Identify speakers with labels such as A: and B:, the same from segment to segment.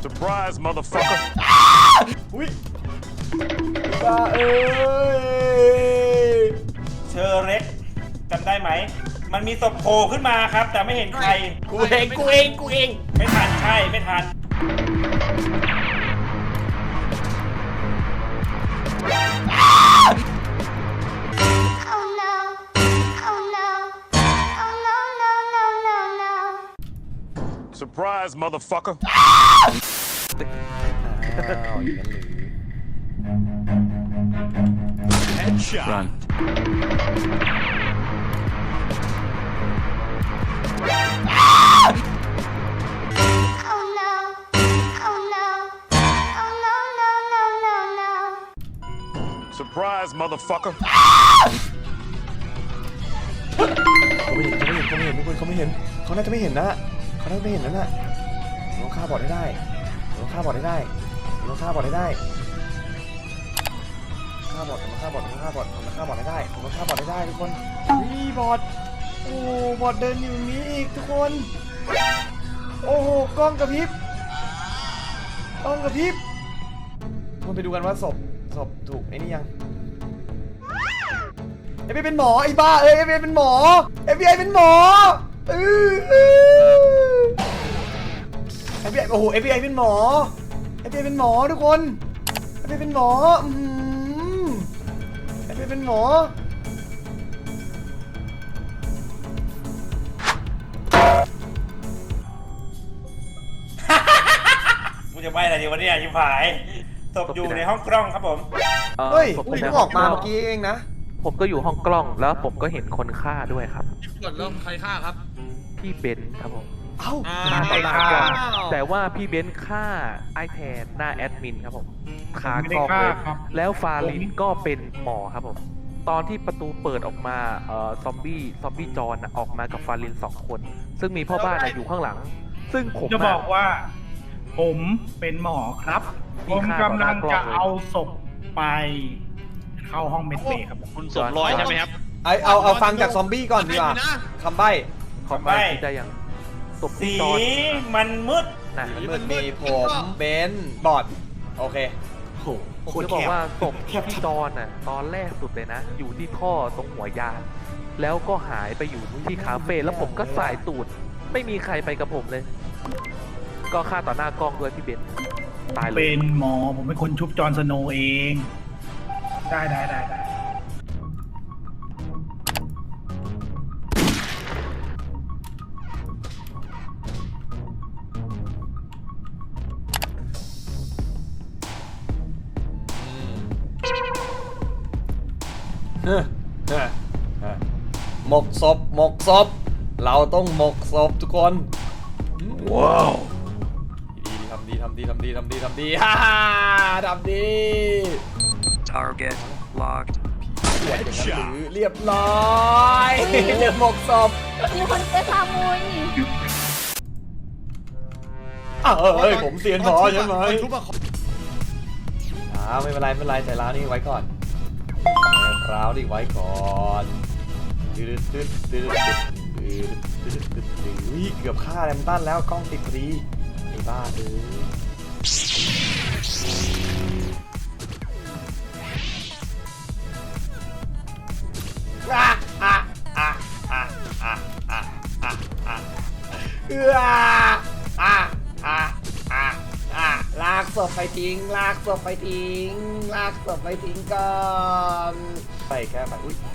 A: Surprise, motherfucker.
B: อุ้ยบ้าเอ้ย
C: เชอร์เร็กจำได้ไหม มันมีศพโผล่ขึ้นมาครับ แต่ไม่เห็นใคร
B: กูเอง
C: ไม่ทันใช่ไม่ทัน
D: Oh no. Oh no. Oh no, no, no, no, no.
A: Surprise, motherfucker.
B: อ้าวอย่างนั้นหรือ
A: Headshot. Run.
D: Oh no. Oh no. Oh no, no, no, no, no.
A: Surprise, motherfucker.
B: เขาไม่เห็นทุกคนเขาไม่เห็นเขาน่าจะไม่เห็นนะเขาน่าจะไม่เห็นนั่นน่ะเราฆ่าบอดได้เราฆ่าบอดได้เราฆ่าบอดได้ฆ่าบอดผมฆ่าบอดผมฆ่าบอดผมฆ่าบอดได้ผมฆ่าบอดได้ทุกคนนี่บอดโอ้บอดเดินอยู่นี้อีกทุกคนโอ้โหกล้องกระพริบกล้องกระพริบมันไปดูกันว่าศพถูกไอ้นี่ยังเอฟบีเป็นหมอไอ้บ้าเอ้ยเอฟบีเป็นหมอเอฟบีไอเป็นหมอเอฟบีไอโอ้โหเอฟบีไอเป็นหมอเอฟบีไอเป็นหมอทุกคนเอฟบีเป็นหมอเอฟบีเป็นหมอ
C: กูจะไปอะไรดีวะเนี่ยชิบหายศพอยู่ในห้องกล้องครับผม
B: เฮ้ย
E: ผม
B: เพิ่ง
E: ใน
B: ออกมาเมื่อกี้เองนะ
E: ผมก็อยู่ห้องกล้องแล้วผมก็เห็นคนฆ่าด้วยครับ
F: กดเริ่มใครฆ่าครับ
E: พี่เบนซ์ครับผม
B: เอ้า
E: ฆ่าต่อหน้ากล้องแต่ว่าพี่เบนซ์ฆ่าไอแทนหน้าแอดมินครับผมคากล้องเลยแล้วฟาลินก็เป็นหมอครับผมตอนที่ประตูเปิดออกมาซอมบี้จอนออกมากับฟาลิน2 คน ซึ่งมีพ่อบ้านอยู่ข้างหลัง ซึ่งผม
G: จะบอกว่า ผมเป็นหมอครับ ผมกำลังจะเอาศพไปเข้าห้องเมดเบย์ครับ
F: คุณสวมรอยใช่ไหมครับ
B: เอาฟังจากซอมบี้ก่อนดีกว่าคำใบ้
E: ขอไม่ได้ยังศพ
C: สี
E: จอน
C: มันมืด
E: นะ
B: มันมีผมเบนซ์บอดโอเคโห
E: ผมจะบอกว่าศพพี่จอนน่ะตอนแรกสุดเลยนะ อยู่ที่ท่อตรงหัวยานแล้วก็หายไปอยู่ที่คาเฟ่แล้วผมก็สายตูดไม่มีใครไปกับผมเลย ก็ฆ่าต่อหน้ากล้องด้วยพี่เบนซ์ตายเล
G: เป็
E: ย
G: นหมอ ผมเป็นคนชุบจอห์นสโนว์เอง ได้
B: หมกศพเราต้องหมกศพทุกคน
A: ว้าว
B: ทำดีฮ่าทำดี
H: Target locked.
B: อย่างนั้นหรือเรียบร้อยเดี๋ยวหมกศพ
D: มีคนเจอขโมยนี่
B: เฮ้ยผมเสียนพอใช่ไหม
F: ชุบอะ
B: ไม่เป็นไรใจร้าวนี่ไว้ก่อนใจร้าวนี่ไว้ก่อนเกือบฆ่าแรมตันแล้วกล้องติดพอดีไอ้บ้าลากศพไปทิ้งก่อนไปแค่ไปอุ้ย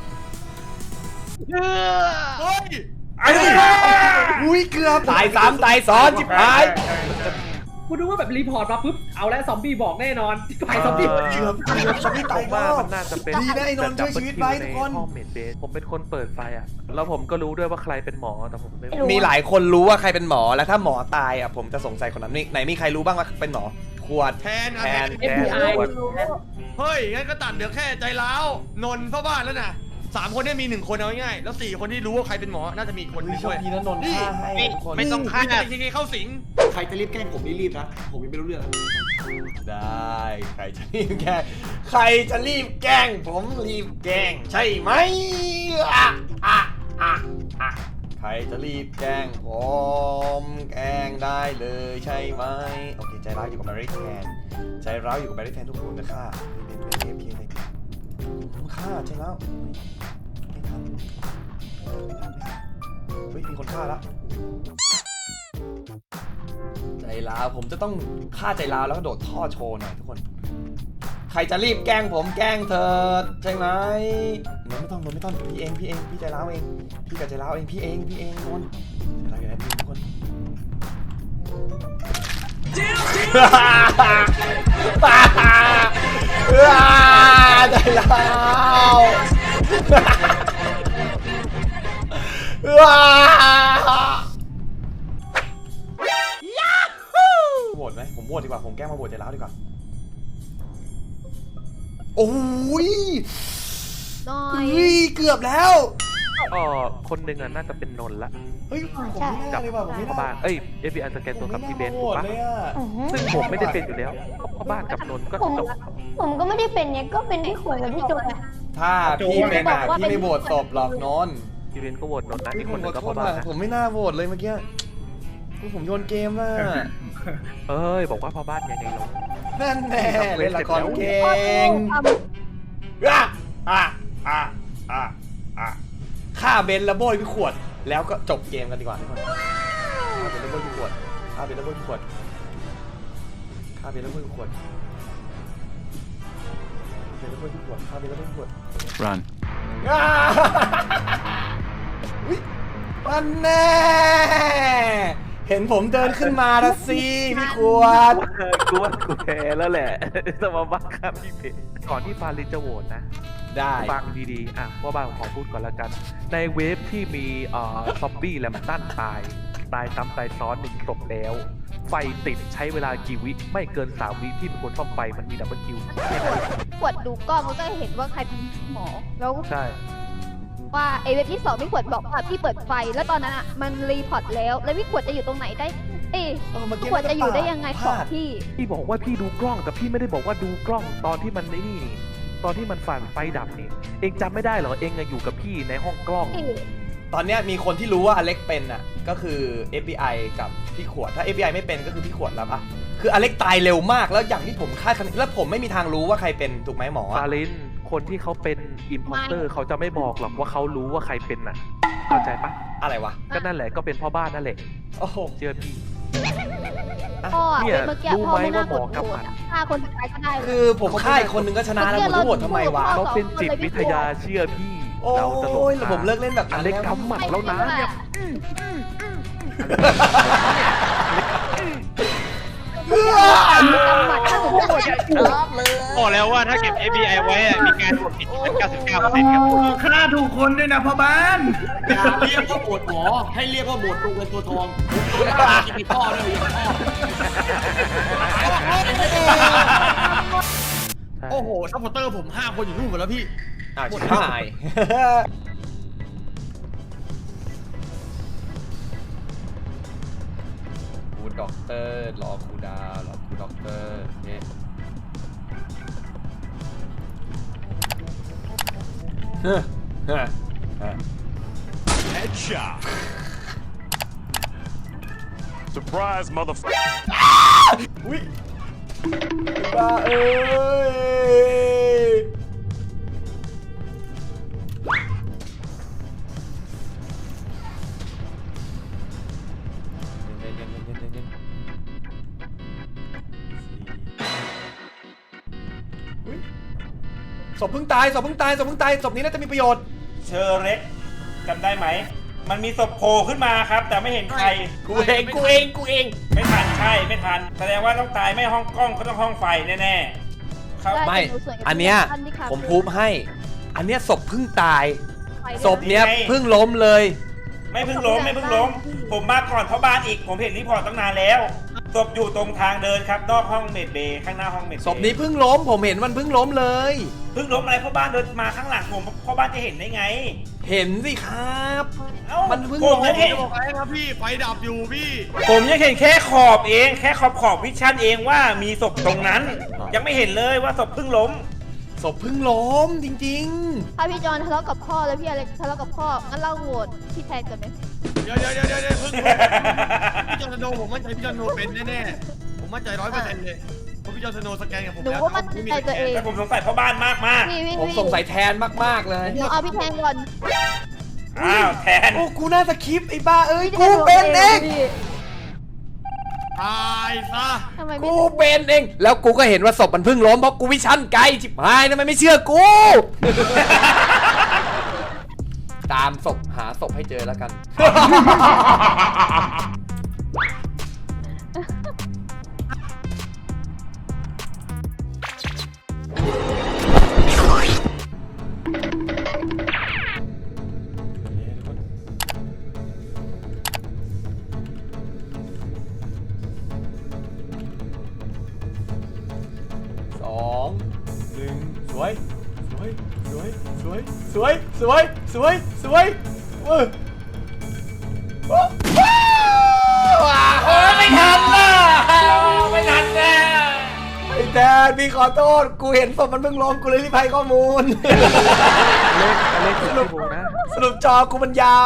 F: เฮ้ย
B: อุ้ยเกือบตายซ้ำตายซ้อนจิบหาย
I: คุณดูว่าแบบรีพอร์ตมาปุ๊บเอาแล้วซอมบี้บอกแน่นอนที่ไปซอมบี้
B: เกือบซอมบี้
E: ผ
B: ตาย
E: ม
B: ก็
E: ว่ามันน่าจะเป็น
B: ดีนะไอ้นนท์ช่วยชีวิตไว้ทุกคน
E: ห้องเมดเบสผมเป็นคนเปิดไฟอ่ะแล้วผมก็รู้ด้วยว่าใครเป็นหมอแต่ผมไม่รู้
B: มีหลายคนรู้ว่าใครเป็นหมอแล้วถ้าหมอตายอ่ะผมจะสงสัยคนนั้นนี่ไหนมีใครรู้บ้างว่าเป็นหมอขวด
F: แทน
I: FBI
F: เฮ้ย งั้นก็ตัดเหลือแค่ใจร้าวนนท์พ่อบ้านแล้วนะ3 คนเนี่ยมี 1 คนเอาง่ายๆแล้ว4 คนที่รู้ว่าใครเป็นหมอ น่าจะมีอีกคนนึง
B: โช
F: ด้
B: ค
F: วย
B: ดีนะนนท์ฆ่าให้ทุกคน
F: ไม่ต้องฆ่าจริงๆเข้าสิง
J: ใครจะรีบแกล้งผมรีบนะ ผมยังไม่รู้เรื่อง
B: ได้ใครจะรีบแกล้งผมรีบแกล้งใช่ไหมรจะรีบแจ้งผมแกล้งได้เลยใช่ไหมโอเคใจร้าวอยู่กับแมรี่แทนใจร้าวอยู่กับแมรี่แทนทุกคนนะค่ะเป็นเอฟพีเลยฆ่าใจร้าวไม่ทันเฮ้ยมีคนฆ่าแล้วใจร้าวผมจะต้องฆ่าใจร้าวแล้วก็โดดท่อโชว์หน่อยทุกคนใครจะรีบแกล้งผมแกล้งเธอใช่ไหมนนไม่ต้องพี่เองพี่ใจร้าวเองพี่กับใจร้าวเองพี่เองนนอะไรกันนะพี่ทุกคนใจร้าวโหวตไหมผมโหวตดีกว่าผมแกล้งมาโหวตใจร้าวดีกว่าโอ้ยเกือบแล้ว
E: คนหนึ่งอ่ะน่าจะเป็นนนท์ละ
B: เฮ้ยผมไม่น่าเลยว่ะผมไม่
E: พ่อ
B: น่า
E: บ้านFBI สแกนตัวกับพี่เบนถูกปะ
B: เลยอะ
E: ซึ่งผมไม่ได้เป็นอยู่แล้วพ่อบ้านกับนนท์ก็จบ
D: ผมก็ไม่ได้เป็นเนี่ยก็เป็นพี่ขวยกับพี่โจย
B: ถ้าพี่เป็นอ่ะพี่ไม่โหวตศพหรอกนนท์
E: พี่เบนก็โหวตนนท์นะอีก
B: ผ
E: คน
B: ม
E: หนึ่
B: ข
E: ง
B: อ
E: ก็
B: โท
E: พ่อ
B: ษ
E: บ้าน
B: ว่ะ
E: นะ
B: ผมไม่น่าโหวตเลยเมื่อกี้ผมโยนเกมน่ะ
E: บอกว่าพ่อบ้านยังไงลง
B: นั่นแน่เล่นละครเก่งฆ่าเบนแล้วโบยพี่ขวดแล้วก็จบเกมกันดีกว่าทุกคนฆ่าเบนแล้วโบยพี่ขวดฆ่าเบนแล้วโบยพี่ขวดฆ่าเบนแล้วโบยพี่ขวดฆ่าเบนแล้วโบยพี่ขวดฆ่าเบนแล้วโบยพี่ขวด
A: Run.
B: อุ๊ยมันแน่เห็นผมเดินขึ้นมาแล้วสิพี่ขวด
E: กูว่ากูแพ้แล้วแหละจะมาบ้าครับพี่เบนก่อนที่ฟารินจะโหวตนะ
B: ได้
E: ฟังดีๆว่าบ้านของพูดก่อนแล้วกันในเวฟที่มีซอมบี้แลมตันตายซ้ำตายซ้อน1ศพแล้วไฟติดใช้เวลากี่วิไม่เกิน3วิที่เป็นคนซ่อมไฟมันมีดับเบิลคิว
D: ขวดดูกล้องมันก็เห็นว่าใครเป็นหมอแล้ว
E: ใช่
D: ว่าไอเว็บที่2พี่ขวดบอกว่าพี่เปิดไฟแล้วตอนนั้นอ่ะมันรีพอร์ตแล้วพี่ขวดจะอยู่ตรงไหนได้พี่ขวดจะอยู่ได้ยังไงของพี่
E: พี่บอกว่าพี่ดูกล้องแต่พี่ไม่ได้บอกว่าดูกล้องตอนที่มันนี่ตอนที่มันฝันไฟดับนี่เองจำไม่ได้เหรอเองอยู่กับพี่ในห้องกล้อง
B: ตอนเนี้ยมีคนที่รู้ว่าอเล็กเป็นอ่ะก็คือ FBI กับพี่ขวดถ้า FBI ไม่เป็นก็คือพี่ขวดแล้วปะคืออเล็กตายเร็วมากแล้วอย่างที่ผมคาดคะเนแล้วผมไม่มีทางรู้ว่าใครเป็นถูกไหมหมอ
E: ฟารินคนที่เขาเป็นอิมพอร์เตอร์เขาจะไม่บอกหรอกว่าเขารู้ว่าใครเป็นน่ะเข้าใจปะ
B: อะไรวะ
E: ก็นั่นแหละก็เป็นพ่อบ้านนั่นแหละ
B: โอ้โห
E: เชื่อพี่
D: พ่อ
E: เนี่ย
D: เมื่อกี้
E: รู้
D: พ่อ
E: ไหม
D: ไม่น่า
E: ว่าก หม
D: ด
E: อกำ
D: โห
E: ห
D: ว
E: มั
D: ต
E: ด
D: ฆ่าคนสุดท้ายก็ได้เลย
B: คือผมฆ่าอีกคนนึงก็ชนะแล้วผมจะโหวตทำไมวะ
E: เขาเป็นจิตวิทยาเชื่อพี่
B: โอ้
E: เราจะหลง
B: ยแล้วผมเลิกเล่นแบบ
E: อ
B: นั้น
E: เล็ก
B: แล้ว
E: กำหมัดแล้วนะเนี่ย
C: บอกแล้วว่าถ้าเก็บ FBI ไว้มีการกดผิดเป็น 99%ครับ
G: ฆ่าถูกคนด้วยนะพ่อบ้าน
J: อย่าเรียกว่าโหวตหมอให้เรียกว่าโหวตตัวเงินตัวทองกินไปพ่อด้วยอย่าพ่อ
F: โอ้โหซัพพอร์เตอร์ผม5 คนอยู่นู่นหมดแล้วพี่
B: อ้าวชิบหายครูด็อกเตอร์รอครูดาวรอครูด็อกเตอร์เนี่ย
A: Headshot. Surprise, motherfucker.
B: อุ้ยบ้าเอ้ยศพเพิ่งตายศพนี้น่าจะมีประโยชน์
C: เชอร์เร็กจำได้ไหม มันมีศพโผล่ขึ้นมาครับ แต่ไม่เห็นใคร
B: กูเอง
C: ไม่ทันใช่ไม่ทัน แสดงว่าต้องตายไม่ห้องกล้องก็ต้องห้องไฟแน่ๆครับ
B: ไม่ อันเนี้ยผมพูดให้ อันเนี้ยศพเพิ่งตาย ศพเนี้ยเพิ่งล้มเลย
C: ไม่เพิ่งล้ม ผมมาก่อนเพราะบ้านอีก ผมเห็นรีพอร์ตตั้งนานแล้ว ศพอยู่ตรงทางเดินครับ นอกห้องเมดเบย์ข้างหน้าห้องเมดเบย์
B: ศพนี้เพิ่งล้ม ผมเห็นมันเพิ่งล้มเลย
C: เพิ่งล้มอะไรเพราะบ้านเดินมาข้างหลังผมเพราะบ้านจะเห็นได้ไง
B: เห็นสิครับ
C: เอ้า
B: มันเพิ่ง
C: ผม
B: ล้
C: ยั
B: ม
C: งเห็น
F: บอกอะไรครับพี่ไฟดับอยู่พี่
C: ผมยังเห็นแค่ขอบเองแค่ขอบวิชั่นเองว่ามีศพตรงนั้น ยังไม่เห็นเลยว่าศพเพิ่งล้ม
B: ศพเพิ่งล้มจริง
D: ถ้าพี่จอนทะเลาะกับพ่อแล้วพี่อเล็กทะเลาะกับพ่องั้นเราโหวตพี่แทนกันไหม
F: เดี๋ยวเพิ่งพี่จอห์นสโนว์ผมมั่นใจพี่จอห์นสโนว์เป็นแน่ๆผมมั่นใจ100%เลยเพราะพี่จอห์นสโนว์สแกนกับผม
D: หนู
F: แล้ว
D: ว่ามั่นใจตัวเอง
C: แต่ผมสงสัยพ่อบ้านมาก
D: พี่
B: ผมสงสัยแทนมากๆเลย
D: หนูเอาพี่แทนก่อน
C: ๆอ้าวแทน
B: โอ้กูน่าสคริปต์ไอ้บ้าเอ้ยกูเป็นเอง
F: ตายซะ
D: ทำไมไม่
B: กูเป็นเองแล้วกูก็เห็นว่าศพมันเพิ่งล้มเพราะกูวิชั่นไกลชิบหายทำไมไม่เชื่อกู ตามศพหาศพให้เจอแล้วกัน 2 1สวยว้าวโอ้ยไม่ทันนะไม่ทันนะไอ้แดนพี่ขอโทษกูเห็นศพมันเพิ่งล้มกูเลยรีบให้ข้อมูล
E: เลขถึงพี่บูนะ
B: สรุปจอกูมันยาว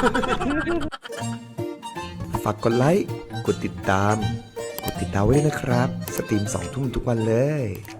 K: ฝากกดไลค์ กดติดตามไว้ด้วยนะครับ สตรีม2 ทุ่มทุกวันเลย